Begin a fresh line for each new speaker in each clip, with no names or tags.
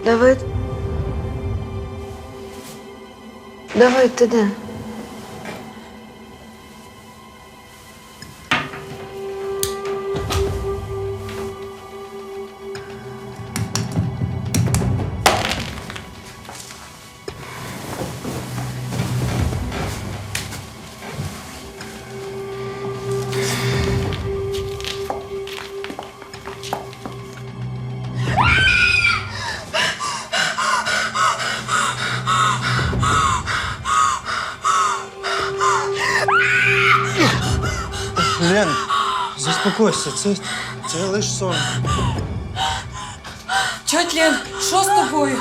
Давид? Давид, ти де?
Лен, заспокойся, це лиш сон.
Тьоть Лен, що з тобою?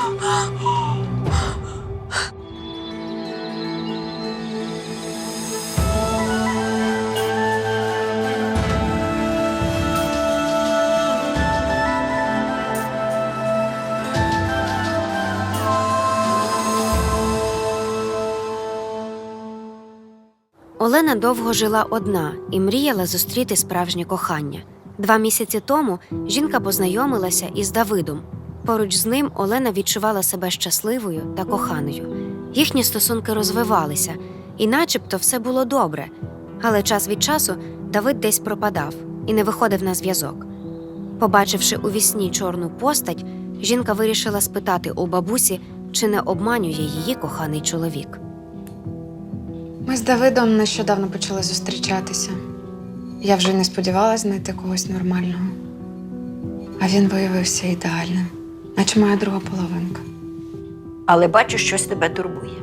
Олена довго жила одна і мріяла зустріти справжнє кохання. 2 місяці тому жінка познайомилася із Давидом. Поруч з ним Олена відчувала себе щасливою та коханою. Їхні стосунки розвивалися, і начебто все було добре. Але час від часу Давид десь пропадав і не виходив на зв'язок. Побачивши у вісні чорну постать, жінка вирішила спитати у бабусі, чи не обманює її коханий чоловік.
Ми з Давидом нещодавно почали зустрічатися. Я вже не сподівалася знайти когось нормального. А він виявився ідеальним, наче моя друга половинка.
Але бачу, щось тебе турбує.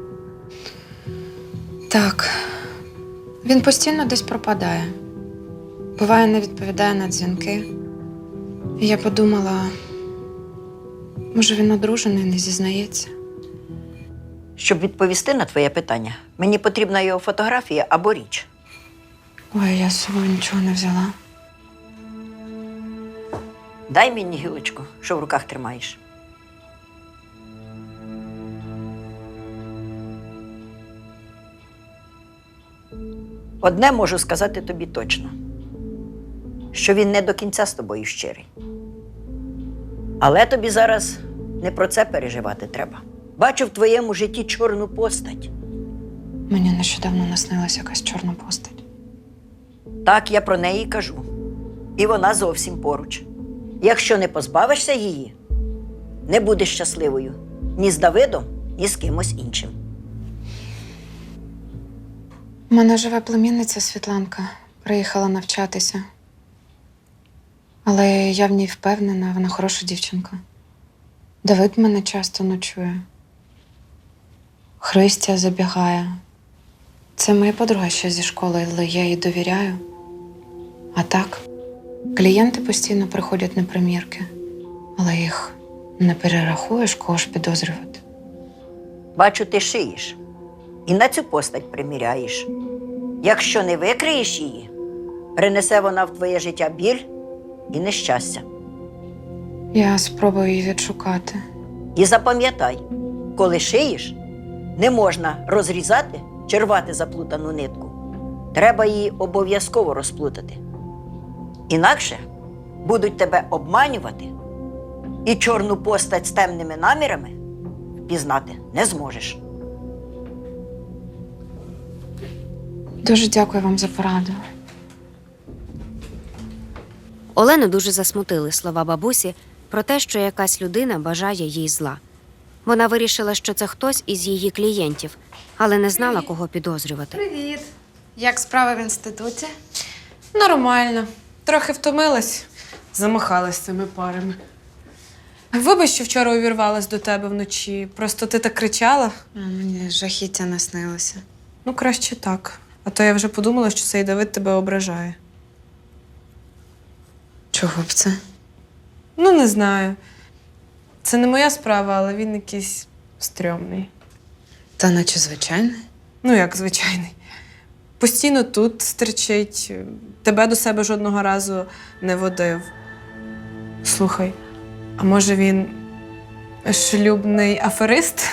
Так, він постійно десь пропадає. Буває, не відповідає на дзвінки. І я подумала, може він одружений, не зізнається.
Щоб відповісти на твоє питання, мені потрібна його фотографія або річ.
Ой, я з собою нічого не взяла.
Дай мені гілочку, що в руках тримаєш. Одне можу сказати тобі точно, що він не до кінця з тобою щирий. Але тобі зараз не про це переживати треба. Бачу в твоєму житті чорну постать.
Мені нещодавно наснилася якась чорна постать.
Так, я про неї кажу. І вона зовсім поруч. Якщо не позбавишся її, не будеш щасливою ні з Давидом, ні з кимось іншим.
У мене живе племінниця Світланка. Приїхала навчатися. Але я в ній впевнена, вона хороша дівчинка. Давид мене часто ночує. Христя забігає. Це моя подруга ще зі школи, але я їй довіряю. А так, клієнти постійно приходять на примірки, але їх не перерахуєш, кого ж підозрювати.
Бачу, ти шиєш і на цю постать приміряєш. Якщо не викриєш її, принесе вона в твоє життя біль і нещастя.
Я спробую її відшукати.
І запам'ятай, коли шиєш, не можна розрізати чи рвати заплутану нитку. Треба її обов'язково розплутати. Інакше будуть тебе обманювати, і чорну постать з темними намірами впізнати не зможеш.
Дуже дякую вам за пораду.
Олену дуже засмутили слова бабусі про те, що якась людина бажає їй зла. Вона вирішила, що це хтось із її клієнтів, але не знала, кого підозрювати.
Привіт.
Як справи в інституті?
Нормально. Трохи втомилась. Замахалась цими парами. Вибач, що вчора увірвалась до тебе вночі. Просто ти так кричала.
Мені жахіття наснилося.
Ну, краще так. А то я вже подумала, що цей Давид тебе ображає.
Чого б це?
Ну, не знаю. Це не моя справа, але він якийсь стрьомний.
Та наче звичайно.
Ну, як звичайний. Постійно тут стерчить, тебе до себе жодного разу не водив. Слухай, а може він шлюбний аферист?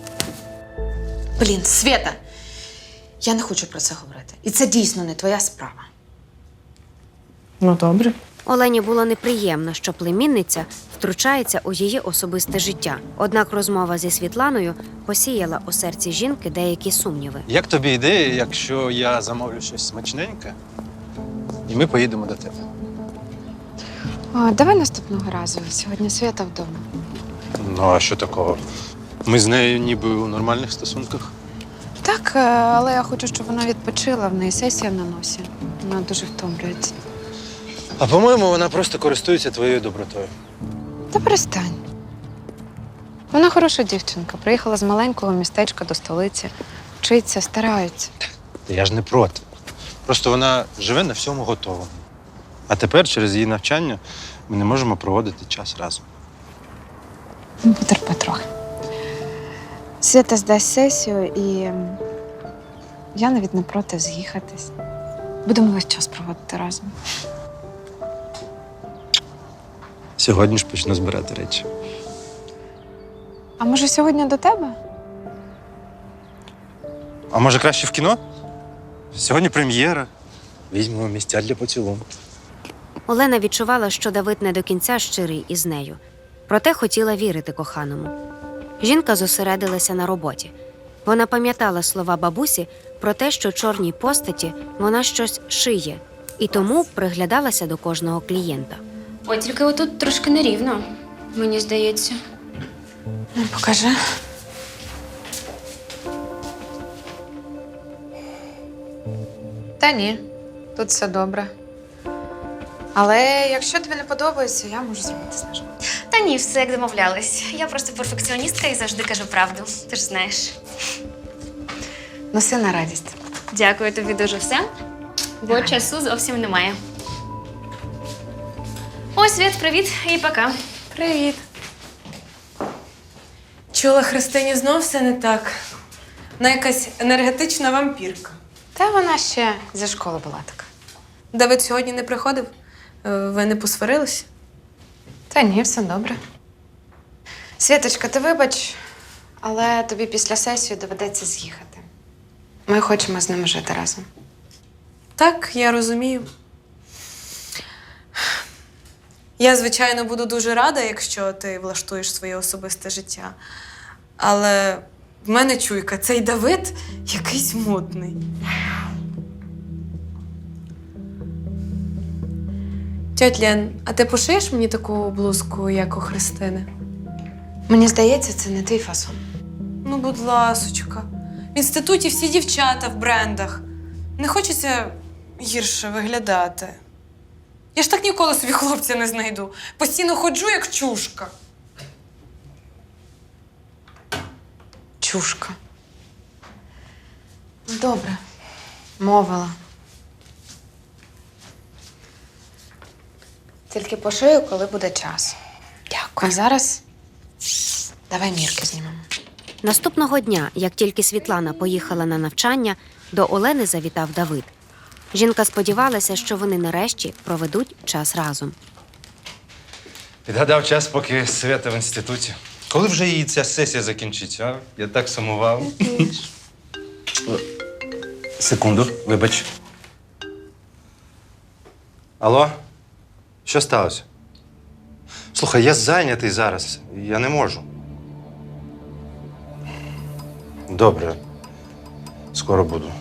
Блін, Свєта, я не хочу про це говорити. І це дійсно не твоя справа.
Ну, добре.
Олені було неприємно, що племінниця втручається у її особисте життя. Однак розмова зі Світланою посіяла у серці жінки деякі сумніви.
Як тобі ідея, якщо я замовлю щось смачненьке, і ми поїдемо до тебе?
О, давай наступного разу. Сьогодні Свята вдома.
Ну, а що такого? Ми з нею ніби у нормальних стосунках.
Так, але я хочу, щоб вона відпочила. В неї сесія на носі. Вона дуже втомлюється.
А по-моєму, вона просто користується твоєю добротою.
Та перестань. Вона хороша дівчинка. Приїхала з маленького містечка до столиці. Вчиться, старається.
Та я ж не проти. Просто вона живе на всьому готовому. А тепер, через її навчання, ми не можемо проводити час разом.
Ну, потерпи трохи. Свята здасть сесію, і я навіть не проти з'їхатись. Будемо весь час проводити разом.
Сьогодні ж почну збирати речі.
А може сьогодні до тебе?
А може краще в кіно? Сьогодні прем'єра. Візьмемо місця для поцілунку.
Олена відчувала, що Давид не до кінця щирий із нею. Проте хотіла вірити коханому. Жінка зосередилася на роботі. Вона пам'ятала слова бабусі про те, що чорній постаті вона щось шиє, і тому приглядалася до кожного клієнта.
Ой, тільки отут трошки нерівно, мені здається.
Ну, покажи. Та ні, тут все добре. Але якщо тобі не подобається, я можу зробити знижку.
Та ні, все як домовлялись. Я просто перфекціоністка і завжди кажу правду. Ти ж знаєш.
Носи на радість.
Дякую тобі дуже все, бо часу зовсім немає. Ось, Світ, привіт і пока.
Привіт. Чула, Христині знов все не так. Вона якась енергетична вампірка.
Та вона ще зі школи була така.
Давид сьогодні не приходив? Ви не посварилися?
Та ні, все добре. Світочка, ти вибач, але тобі після сесії доведеться з'їхати. Ми хочемо з ними жити разом.
Так, я розумію. Я, звичайно, буду дуже рада, якщо ти влаштуєш своє особисте життя. Але в мене чуйка, цей Давид якийсь мутний. Тьоть Лен, а ти пошиєш мені таку блузку, як у Христини?
Мені здається, це не твій фасон.
Ну, будь ласочка. В інституті всі дівчата в брендах. Не хочеться гірше виглядати. Я ж так ніколи собі хлопця не знайду. Постійно ходжу, як чушка.
Чушка. Ну, добре. Мовила. Тільки пошию, коли буде час. Дякую. А зараз давай мірки знімемо.
Наступного дня, як тільки Світлана поїхала на навчання, до Олени завітав Давид. Жінка сподівалася, що вони нарешті проведуть час разом.
Підгадав час, поки Свята в інституті. Коли вже її ця сесія закінчиться, а? Я так сумував. Секунду, вибач. Алло? Що сталося? Слухай, я зайнятий зараз. Я не можу. Добре. Скоро буду.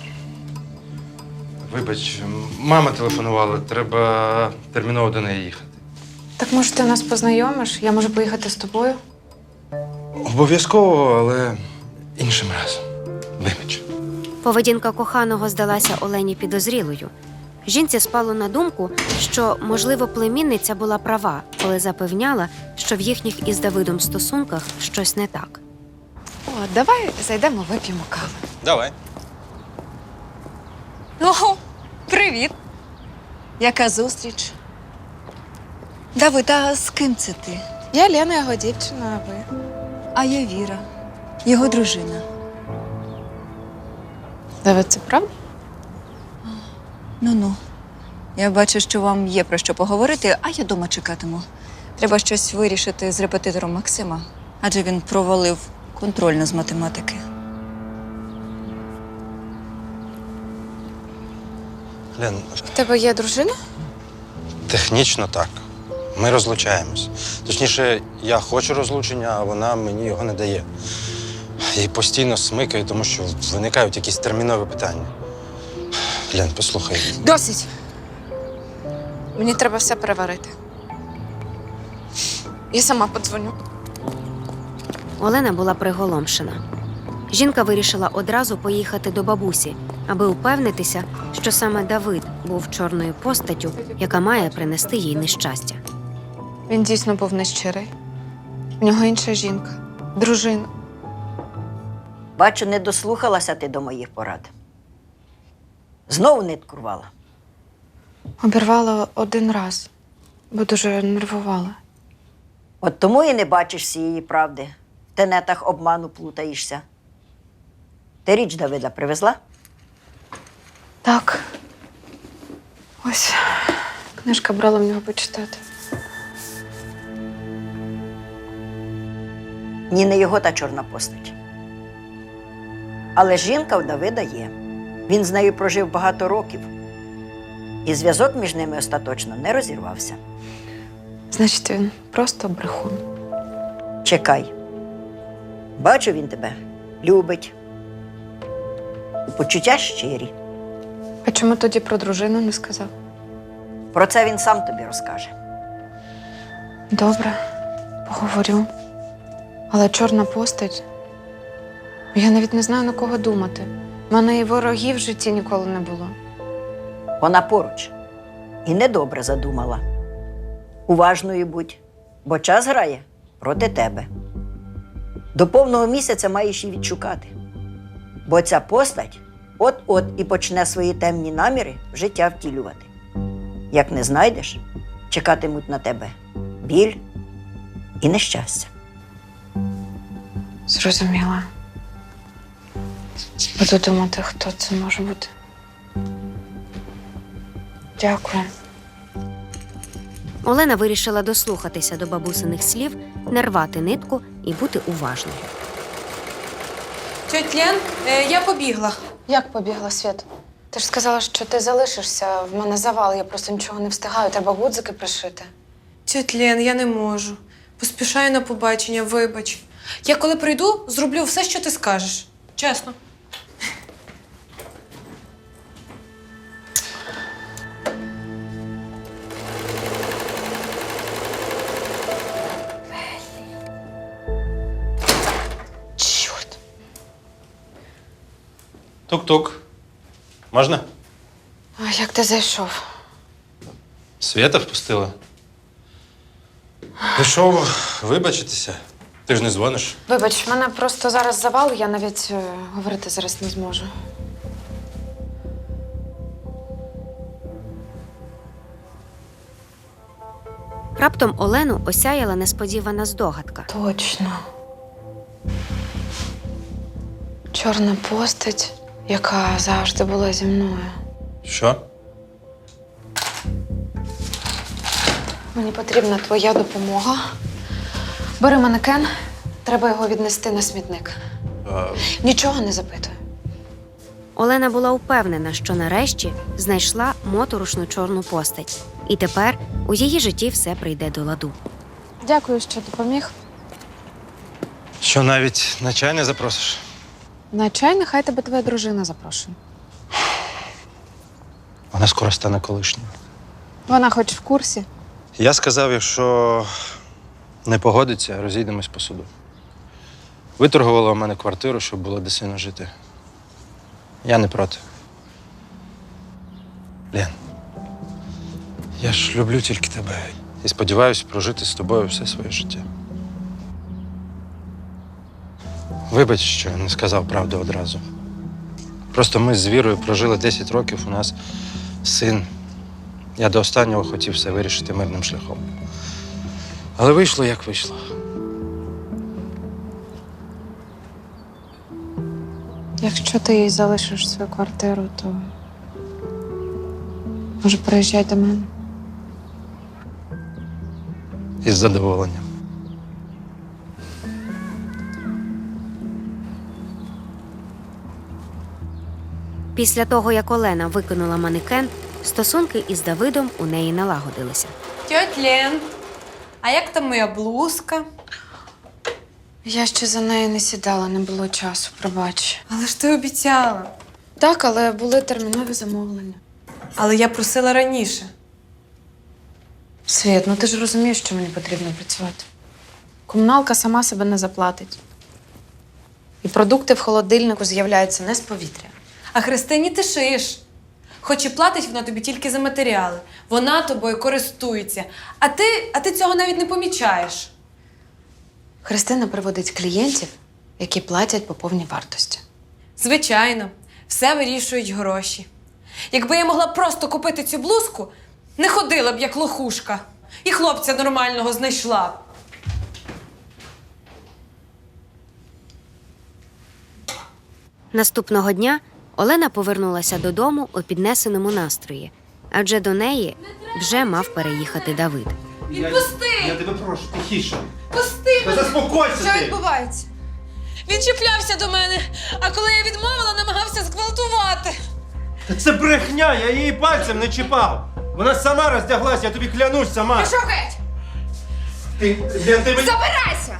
Вибач, мама телефонувала. Треба терміново до неї їхати.
Так може ти нас познайомиш? Я можу поїхати з тобою?
Обов'язково, але іншим разом. Вибач.
Поведінка коханого здалася Олені підозрілою. Жінці спало на думку, що, можливо, племінниця була права, коли запевняла, що в їхніх із Давидом стосунках щось не так.
О, давай зайдемо, вип'ємо каву.
Давай.
Ого, привіт. Яка зустріч? Давид, а з ким це ти?
Я Лена, його дівчина, а ви?
А я Віра, його дружина.
Давид, це правда?
Ну-ну. Я бачу, що вам є про що поговорити, а я дома чекатиму. Треба щось вирішити з репетитором Максима, адже він провалив контрольну з математики.
Лен,
В тебе є дружина?
Технічно так. Ми розлучаємось. Точніше, я хочу розлучення, а вона мені його не дає. І постійно смикаю, тому що виникають якісь термінові питання. Лен, послухай.
Досить! Мені треба все переварити. Я сама подзвоню.
Олена була приголомшена. Жінка вирішила одразу поїхати до бабусі, аби упевнитися, що саме Давид був чорною постаттю, яка має принести їй нещастя.
Він дійсно був нещирий. В нього інша жінка, дружина.
Бачу, не дослухалася ти до моїх порад. Знову нитку рвала.
Обірвала один раз, бо дуже нервувала.
От тому і не бачиш всієї правди. В тенетах обману плутаєшся. Ти річ Давида привезла?
Так. Ось книжка брала в нього почитати.
Ні, не його та чорна постать. Але жінка в Давида є. Він з нею прожив багато років. І зв'язок між ними остаточно не розірвався.
Значить, він просто брехун.
Чекай. Бачу, він тебе любить. І почуття щирі.
А чому тоді про дружину не сказав?
Про це він сам тобі розкаже.
Добре, поговорю. Але чорна постать. Я навіть не знаю, на кого думати. У мене і ворогів в житті ніколи не було.
Вона поруч. І недобре задумала. Уважною будь, бо час грає проти тебе. До повного місяця маєш її відшукати. Бо ця постать от-от і почне свої темні наміри в життя втілювати. Як не знайдеш, чекатимуть на тебе біль і нещастя.
Зрозуміла. Буду думати, хто це може бути. Дякую.
Олена вирішила дослухатися до бабусиних слів, не рвати нитку і бути уважною.
Тьоть Лен, я побігла.
Як побігла, Світ? Ти ж сказала, що ти залишишся. В мене завал, я просто нічого не встигаю. Треба гудзики пришити.
Тьоть Лен, я не можу. Поспішаю на побачення, вибач. Я коли прийду, зроблю все, що ти скажеш. Чесно.
Чорт.
Тук-тук. Можна?
А як ти зайшов?
Свята впустила. Пішов вибачитися. Ти ж не дзвониш.
Вибач, в мене просто зараз завал, я навіть говорити зараз не зможу.
Раптом Олену осяяла несподівана здогадка.
Точно. Чорна постать, яка завжди була зі мною.
Що?
Мені потрібна твоя допомога. Бери манекен, треба його віднести на смітник. Нічого не запитую.
Олена була впевнена, що нарешті знайшла моторошну чорну постать. І тепер у її житті все прийде до ладу.
Дякую, що допоміг.
Що навіть на чай не запросиш?
На чай нехай тебе твоя дружина запрошує.
Вона скоро стане колишньою.
Вона хоч в курсі.
Я сказав, якщо не погодиться, розійдемось по суду. Виторгувала у мене квартиру, щоб було де сильно жити. Я не проти. Лен, я ж люблю тільки тебе і сподіваюся прожити з тобою все своє життя. Вибач, що не сказав правду одразу. Просто ми з Вірою прожили 10 років, у нас син. Я до останнього хотів все вирішити мирним шляхом. Але вийшло, як вийшло.
Якщо ти їй залишиш свою квартиру, то може приїжджай до мене.
Із задоволенням.
Після того, як Олена викинула манекен, Стосунки із Давидом у неї налагодилися.
Тьоть Лен, а як там моя блузка?
Я ще за нею не сідала, не було часу, пробач.
Але ж ти обіцяла.
Так, але були термінові замовлення.
Але я просила раніше.
Світ, ну ти ж розумієш, що мені потрібно працювати. Комуналка сама себе не заплатить. І продукти в холодильнику з'являються не з повітря.
А Христині ти шиєш. Хоч і платить вона тобі тільки за матеріали. Вона тобою користується. А ти цього навіть не помічаєш.
Христина приводить клієнтів, які платять по повній вартості.
Звичайно, все вирішують гроші. Якби я могла просто купити цю блузку, не ходила б як лохушка. І хлопця нормального знайшла б.
Наступного дня Олена повернулася додому у піднесеному настрої, адже до неї вже мав переїхати Давид.
Відпусти!
Я тебе прошу, тихіше.
Пусти
Та
мене!
заспокойся
Що
ти!
відбувається? Він чіплявся до мене, а коли я відмовила, намагався зґвалтувати.
Та це брехня, я її пальцем не чіпав. Вона сама роздяглась, я тобі клянусь сама.
Пішов геть!
Лен, ти мені...
Забирайся!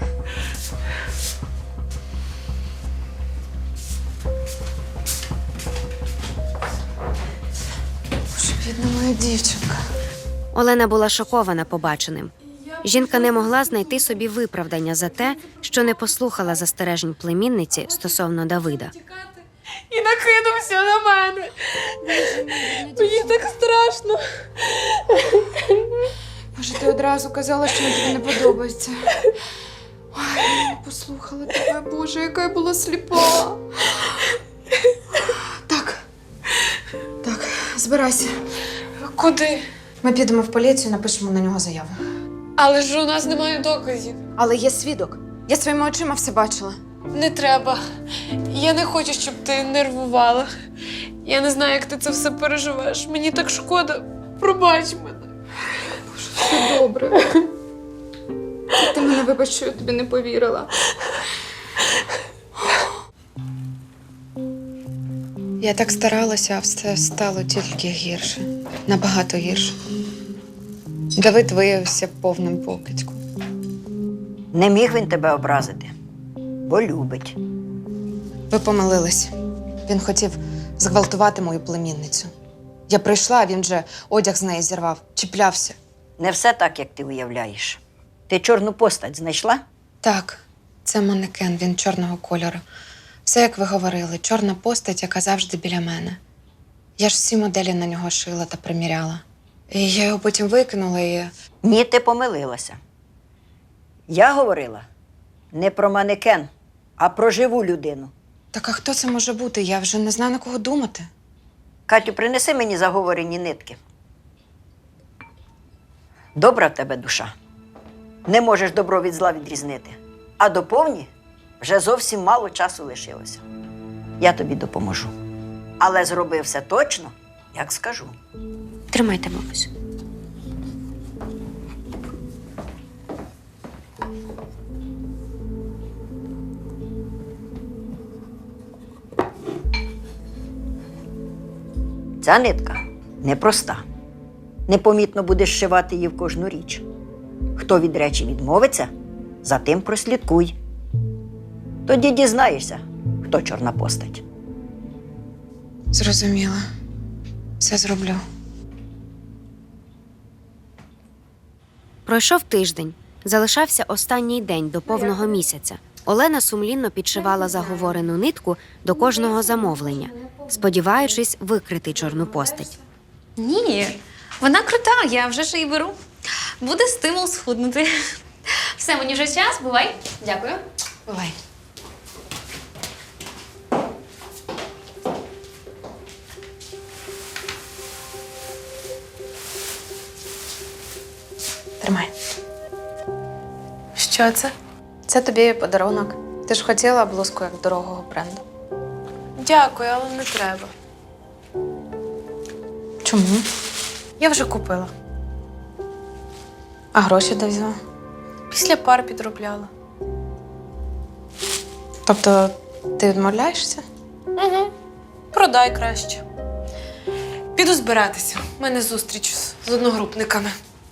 Боже, бідна моя дівчинка.
Олена була шокована побаченим. Жінка не могла знайти собі виправдання за те, що не послухала застережень племінниці стосовно Давида.
І накинувся на мене. Мені так страшно.
Боже, ти одразу казала, що він тобі не подобається. Ой, я не послухала тебе, Боже, яка я була сліпа. Так, збирайся.
Куди?
Ми підемо в поліцію, напишемо на нього заяву.
Але ж у нас немає доказів.
Але є свідок. Я своїми очима все бачила.
Не треба. Я не хочу, щоб ти нервувала. Я не знаю, як ти це все переживеш. Мені так шкода. Пробач мене.
Все добре. Ти мене вибач, що я тобі не повірила. Я так старалася, а все стало тільки гірше. Набагато гірше. Давид виявився повним покидьком.
Не міг він тебе образити, бо любить.
Ви помилились. Він хотів зґвалтувати мою племінницю. Я прийшла, а він же одяг з неї зірвав, чіплявся.
Не все так, як ти уявляєш. Ти чорну постать знайшла?
Так, це манекен, він чорного кольору. Все, як ви говорили, чорна постать, яка завжди біля мене. Я ж всі моделі на нього шила та приміряла. І я його потім викинула і...
Ні, ти помилилася. Я говорила не про манекен, а про живу людину.
Так а хто це може бути? Я вже не знаю, на кого думати.
Катю, принеси мені заговорені нитки. Добра в тебе душа. Не можеш добро від зла відрізнити. А до повні вже зовсім мало часу лишилося. Я тобі допоможу. Але зроби все точно, як скажу.
Тримайте, бабусю.
Ця нитка непроста. Непомітно будеш шивати її в кожну річ. Хто від речі відмовиться, за тим прослідкуй. Тоді дізнаєшся, хто чорна постать.
Зрозуміла. Все зроблю.
Пройшов тиждень. Залишався останній день до повного місяця. Олена сумлінно підшивала заговорену нитку до кожного замовлення, сподіваючись викрити чорну постать.
Ні, вона крута, я вже ж її беру. Буде стимул схуднути. Все, мені вже час, бувай. Дякую.
Бувай. Тримай.
Що це?
Це тобі подарунок. Ти ж хотіла блузку як дорогого бренду.
Дякую, але не треба.
Чому?
Я вже купила.
А гроші де взяла?
Після пар підробляла.
Тобто ти відмовляєшся?
Угу. Продай краще. Піду збиратися. У мене зустріч з одногрупниками.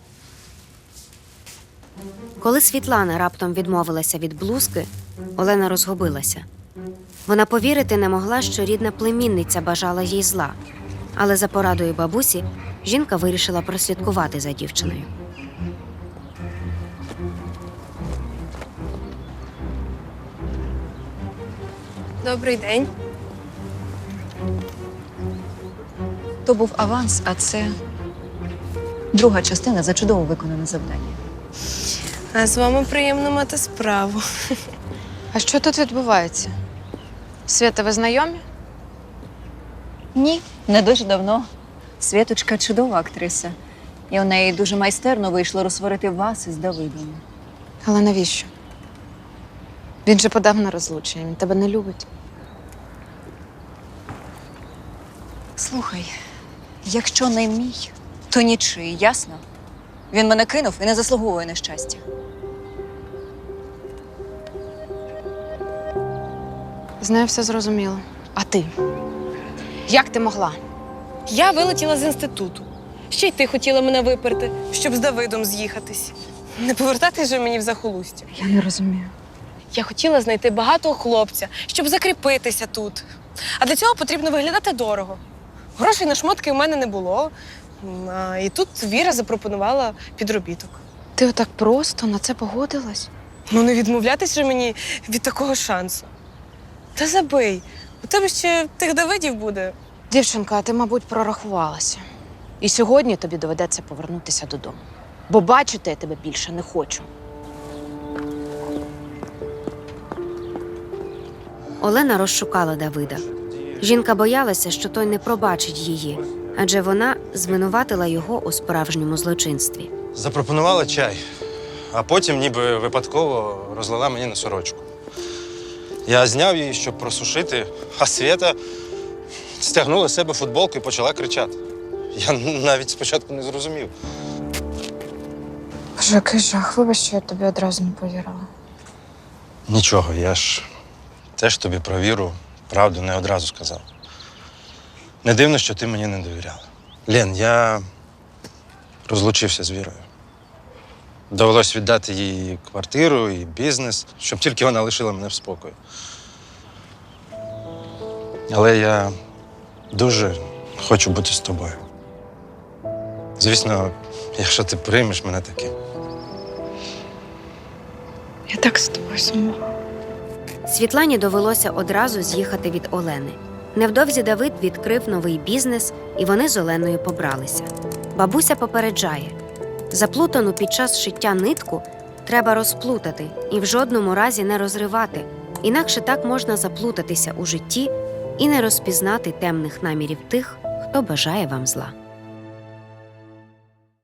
Коли Світлана раптом відмовилася від блузки, Олена розгубилася. Вона повірити не могла, що рідна племінниця бажала їй зла. Але за порадою бабусі жінка вирішила прослідкувати за дівчиною.
Добрий день.
То був аванс, а це друга частина за чудово виконане завдання.
А з вами приємно мати справу.
А що тут відбувається? Свята, ви знайомі?
Ні, не дуже давно. Світочка чудова актриса. І у неї дуже майстерно вийшло розсварити вас із Давидом.
Але навіщо? Він же подав на розлучення, він тебе не любить.
Слухай, якщо не мій, то нічий, ясно? Він мене кинув і не заслуговує на щастя.
З нею все зрозуміло. А ти? Як ти могла?
Я вилетіла з інституту. Ще й ти хотіла мене виперти, щоб з Давидом з'їхатись. Не повертати же мені в захолустя.
Я не розумію.
Я хотіла знайти багатого хлопця, щоб закріпитися тут. А для цього потрібно виглядати дорого. Грошей на шмотки в мене не було. І тут Віра запропонувала підробіток.
Ти отак просто на це погодилась?
Ну не відмовлятись же мені від такого шансу. Та забий, у тебе ще тих Давидів буде.
Дівчинка, ти, мабуть, прорахувалася. І сьогодні тобі доведеться повернутися додому. Бо бачити я тебе більше не хочу.
Олена розшукала Давида. Жінка боялася, що той не пробачить її, адже вона звинуватила його у справжньому злочинстві.
Запропонувала чай, а потім ніби випадково розлила мені на сорочку. Я зняв її, щоб просушити, а Свята стягнула з себе футболку і почала кричати. Я навіть спочатку не зрозумів.
Боже, який жах. Вибач, що я тобі одразу не повірила.
Нічого, я ж теж тобі про Віру правду не одразу сказав. Не дивно, що ти мені не довіряла. Лен, я розлучився з Вірою. Довелось віддати їй квартиру і бізнес, щоб тільки вона лишила мене в спокої. Але я дуже хочу бути з тобою. Звісно, якщо ти приймеш мене таким.
Я так з тобою сумувала.
Світлані довелося одразу з'їхати від Олени. Невдовзі Давид відкрив новий бізнес, і вони з Оленою побралися. Бабуся попереджає: заплутану під час шиття нитку треба розплутати і в жодному разі не розривати, інакше так можна заплутатися у житті і не розпізнати темних намірів тих, хто бажає вам зла.